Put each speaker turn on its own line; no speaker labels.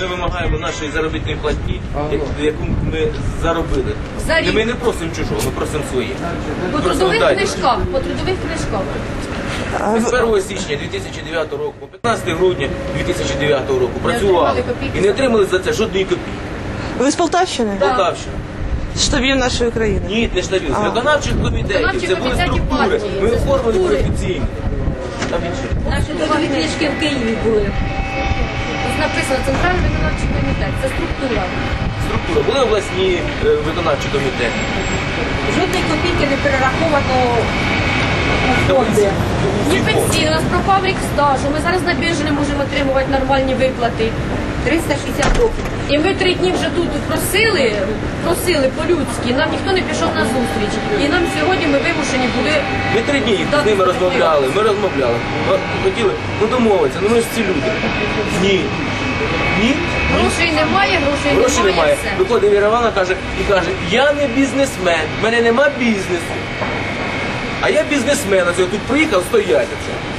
ми вимагаємо нашої заробітної платні, яку ми заробили. І ми не просимо чужого, ми просимо своє.
По трудових книжках, по трудових книжках.
З 1 січня 2009 року, по 15 грудня 2009 року працювали і не отримали за це жодної копійки.
Ви з Полтавщини?
Полтавщина.
Штабів нашої країни?
Ні, не штабів, з виконавчих комітетів, це були структури. Ми оформили офіційно.
Наші трудові книжки в Києві були. Ось написано Центральний виконавчий комітет, це структура.
Структура, були обласні виконавчі комітети.
Жодної копійки не перераховано у фонди. Ні пенсійно, у нас пропав рік стажу, ми зараз на біржі не можемо отримувати нормальні виплати. 360 років. І ми 3 дні вже тут просили по-людськи, нам ніхто не пішов на зустріч. І нам сьогодні ми вимушені були...
Ми 3 дні з ними розмовляли, ми хотіли домовитися, ми ж ці люди. Ні.
Грошей немає, грошей немає, все.
Виходить Віра Івановна і каже, я не бізнесмен, в мене нема бізнесу. А я бізнесмен, тут приїхав стояти.